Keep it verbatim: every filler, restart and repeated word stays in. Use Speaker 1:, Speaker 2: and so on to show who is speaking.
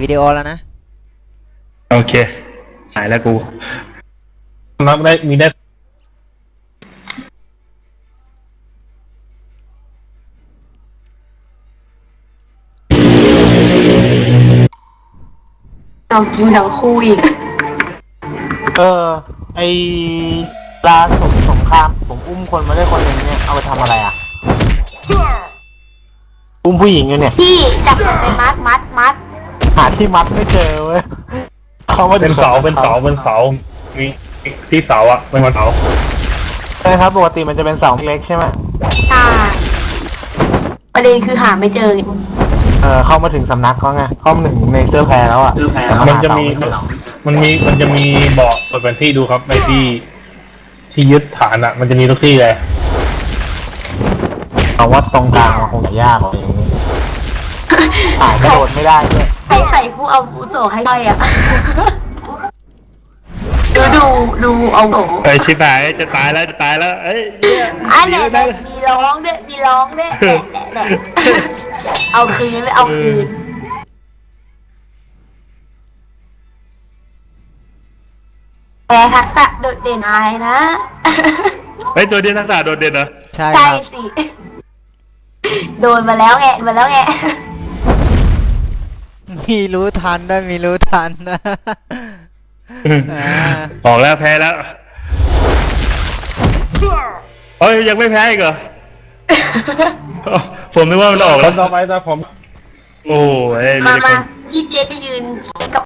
Speaker 1: วิดีโอแล้วนะ
Speaker 2: โอเคหายแล้วกูนับได้มีได้
Speaker 3: เรากินทั้งคู่อีก
Speaker 4: เออไอลาสงสงครามผมอุ้มคนมาได้คนหนึ่งเนี่ยเอาไปทำอะไรอ่ะอุ้มผู้หญิงอยู่เนี่ย
Speaker 3: พี่จับมันไปมัดมัดมัด
Speaker 4: หาที่มัดไม่เจอเว้ยเขาว่า
Speaker 2: เป็นเสาเป็นเสาเป็นเสามีที่เสาอ่ะเป็นวันเสา
Speaker 4: ใช่ครับปกติมันจะเป็นเสาเล็กใช่ไหม
Speaker 3: ใช่ประเด็นคือหาไม่เจอไง
Speaker 4: เออเข้ามาถึงสำนักเขาไงเข้ามาถึงในเสื้อแพรแล้วอ่ะ
Speaker 2: มันจะมีมันมีมันจะมีบอกเปิดแผนที่ดูครับในที่ที่ยึดฐานอ่ะมันจะมีทุกที่เลย
Speaker 4: เอาว่าตรงกลางมันคงจะยากอะไรอย่างนี้อ่านกระโดดไม่ได้ด้วย
Speaker 3: ให้ใส่ผู้เอาผู้โสให้ได้อ่ะดูดูดูเอาโส
Speaker 2: ไอชิบหายจะตายแล้วจะตายแล้วเอ้ย
Speaker 3: อันนี้มีร้องด้วยมีร้องด้วยแหละแหละเอาคืนเลยเอาคืนแต่ทักษะโดดเด่นอะไรนะ
Speaker 2: ไอตัวเด่นทักษะโดดเด่นเหรอ
Speaker 1: ใช่
Speaker 3: ใช่สิโดนมาแล้วไงมาแล้วไง
Speaker 1: มีรู้ทันด้วยมีรู้ทันนะ
Speaker 2: ออกแล้วแพ้แล้วเฮ้ยยังไม่แพ้อีกเหรอผมนึกว่ามันออกแล้วต่อไปตาผมโอ้ย
Speaker 3: มามาพี่เจจะยืนกับ